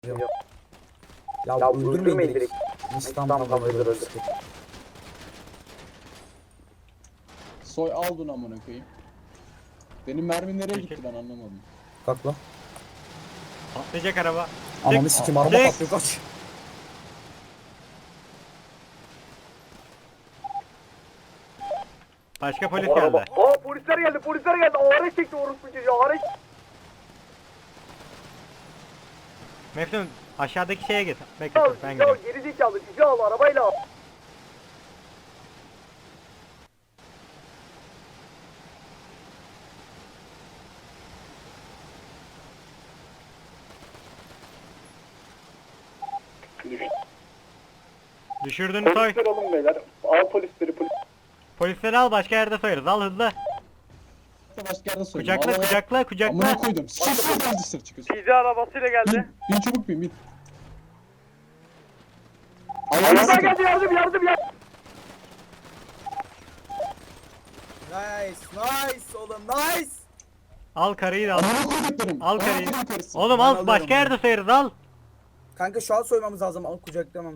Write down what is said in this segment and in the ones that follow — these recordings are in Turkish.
Ya öldürmeyin direkt. İstanbul'dan öldürür. Soy aldın amına koyayım. Benim mermi nereye gitti ben anlamadım. Kalk lan. Patlayacak araba. Ananı sikim araba Dik. patlıyor kaç. Başka polis geldi. Aa polisler geldi. Ağrı çekti orospu çocuğu. Ağrı. Mefnun aşağıdaki şeye git. Bekle dur, ben Ya gidiyorum. geri zekalı. Cici al arabayla al. Düşürdün soy. Polisler alın beyler. Al polisleri polis. Polisleri al, başka yerde soyarız. Al hızlı. Başka yerde soyayım. Kucakla Vallahi- kucakla Amına kucakla. koydum. Sıçrasın dışarı çıkıyorsun. Cici arabasıyla geldi. Bin çabuk bin. Araba geldi yardım. Nice oğlum nice. Al karıyı da al. Amına koyduklarım. Al karıyı. Amına koyduklarım. Oğlum Ben al, alıyorum başka bunu. yerde soyarız, al. Kanka şu an soymamız lazım. Al kucaklamam.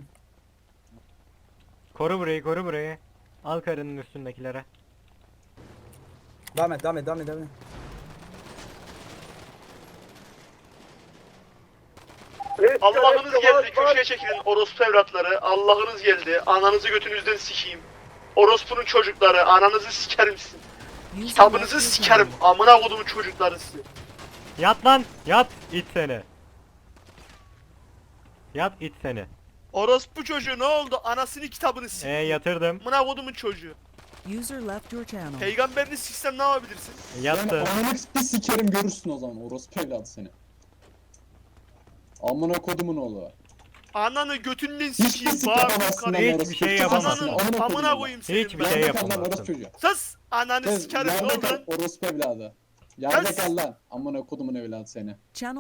Koru burayı, koru burayı. Al karının üstündekilere. Devam et. Allah'ınız geldi, köşeye çekilin orospu evlatları. Allah'ınız geldi, ananızı götünüzden sikeyim. Orospunun çocukları, ananızı sikerim sizin. Kitabınızı sikerim, amına kodumun çocukları sizi. Yat lan, yat it seni. Yat it seni. Orospu çocuğu ne oldu? Anasını kitabını sik. Yatırdım. Amına kodumun çocuğu. User left your channel. Peygamberini siksem ne yapabilirsin? Yattı. Amına bir sikerim görürsün o zaman. Orospu evladı seni. Amına kodumun oğlu. Ananı götünden Hiçbir sikeyim, sik bağır yapamazsın lan Hiçbir orospu. şey Çık yapamazsın. ağzına, Amına koyayım seni. Hiçbir ben. şey Yerde kal lan yapamazsın. orospu çocuğu. Sus! Ananı Kız, sikerim ne yerde oldu kal lan? orospu evladı. Yerde Kız. kal lan. Amına kodumun evladı seni. Channel